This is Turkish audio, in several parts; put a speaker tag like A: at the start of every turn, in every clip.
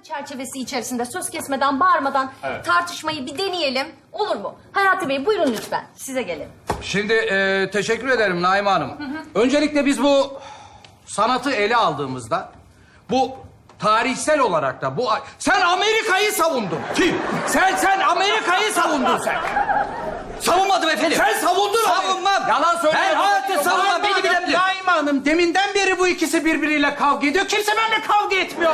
A: çerçevesi içerisinde söz kesmeden, bağırmadan tartışmayı bir deneyelim. Olur mu? Hayati Bey buyurun lütfen. Size gelelim.
B: Şimdi teşekkür ederim Naime Hanım. Öncelikle biz bu sanatı ele aldığımızda bu tarihsel olarak da bu... Sen Amerika'yı savundun. Kim? Sen Amerika'yı savundun sen.
C: Savunmadım efendim.
B: Sen savundun.
C: Savunmam.
B: Yalan söylüyorsun.
C: Ben hayatta savunmam. Beni bilen bilir.
B: Naime Hanım deminden beri bu ikisi birbiriyle kavga ediyor. Kimse benimle kavga etmiyor.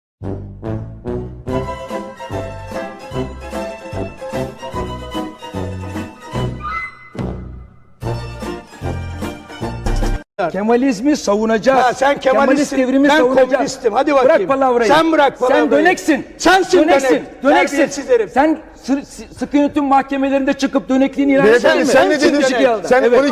D: Kemalizmi savunacağız.
E: Ha, sen Kemalistsin,
D: devrimi
E: ben
D: savunacağız.
E: komünistim. Hadi bakayım.
D: Bırak palavrayı.
E: Sen bırak palavrayı.
D: Sen döneksin.
E: Sensin
D: döneksin.
E: dönek. Terbiyesiz herif.
D: Sen sıkı yönetim mahkemelerinde çıkıp dönekliğini ilan
F: Beyefendi
D: eder mi?
F: sen ne dedin? Sen
D: Evet.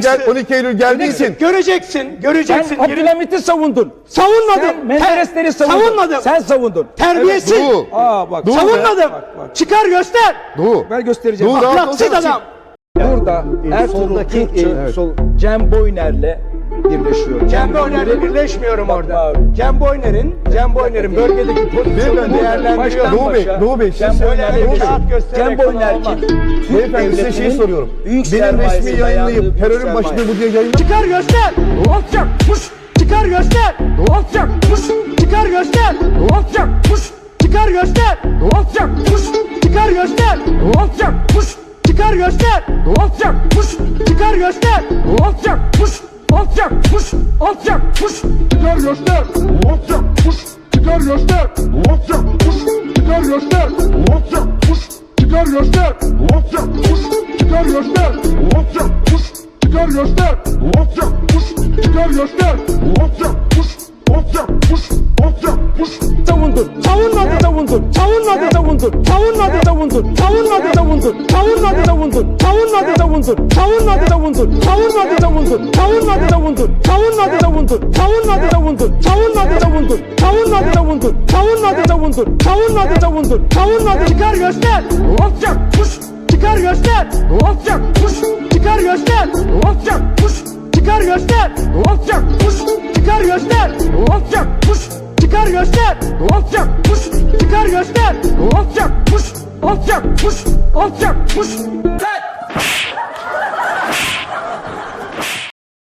F: 12 Eylül geldiysin.
E: Göreceksin.
D: Sen Abdülhamit'i savundun.
E: Savunmadım.
D: Sen Menderesleri savundun.
E: Savunmadım.
D: Sen savundun.
E: Terbiyesiz.
F: Evet, Doğu.
D: Bak.
F: Doğu.
E: Savunmadım.
D: Bak.
E: Çıkar göster.
F: Doğu.
D: Ben göstereceğim.
F: Doğu,
D: Bak,
F: rahat
E: Ahlaksız
F: olsana.
E: adam.
D: Burada Ertuğrul Kürkçü Cem Boyner'le birleşiyor.
E: Cem Boyner'le birleşmiyorum
D: Bak,
E: orada.
D: bak.
E: Cem Boyner'in bölgedeki pozisyonunu
F: Beyefendi,
E: değerlendiriyor.
F: Doğu Bey,
D: Cem
F: siz
D: Boyner'le
E: Boyner'le
F: Doğu Bey.
E: kağıt göstererek
D: Cem Boyner
E: falan
D: kim?
E: olmaz.
D: Türk
F: Beyefendi size şeyi
D: devletinin
F: soruyorum.
D: büyük
F: Benim
D: sermayesi
F: resmi yayınlayıp
D: dayandığı
F: terörün
D: büyük
F: başında
D: sermaye.
F: bu diye yayınlayıp...
E: Çıkar göster.
D: Alçak, puş,
E: Çıkar göster.
D: alçak, puş,
E: Çıkar göster.
D: alçak, puş,
E: Çıkar göster.
D: alçak, puş,
E: Çıkar göster.
D: alçak, puş,
E: Çıkar göster.
D: alçak, puş,
E: Çıkar göster.
D: alçak, puş, alçak, puş, alçak, puş.
F: Çıkar göster! Alçak! Puş! Çıkar göster! Alçak! Puş! Çıkar göster! Alçak! Puş! Çıkar göster! Alçak! Puş! Çıkar göster! Alçak! Puş! Çıkar göster! Alçak! Puş! Çıkar göster! Alçak! Puş! Alçak! Puş! Alçak! Puş!
D: Savundun,
E: Savunmadım.
D: savundun,
E: Savunmadım.
D: savundun,
E: Savunmadım.
D: savundun,
E: Savunmadım.
D: savundun,
E: Savunmadım.
D: savundun,
E: Savunmadım.
D: savundun,
E: Savunmadım.
D: savundun,
E: Savunmadım.
D: savundun,
E: Savunmadım.
D: savundun,
E: Savunmadım.
D: savundun,
E: Savunmadım.
D: savundun,
E: Savunmadım.
D: savundun,
E: Savunmadım.
D: savundun,
E: Savunmadım.
D: savundun,
E: Savunmadım.
D: savundun,
E: Savunmadım. Çıkar göster.
D: alçak, puş,
E: Çıkar göster.
D: alçak, puş,
E: Çıkar göster.
D: alçak, puş,
E: Çıkar göster.
D: alçak, puş,
E: Çıkar göster.
D: alçak, puş,
E: Çıkar göster.
D: alçak, puş,
E: Çıkar göster.
D: alçak, puş, alçak, puş, alçak, puş.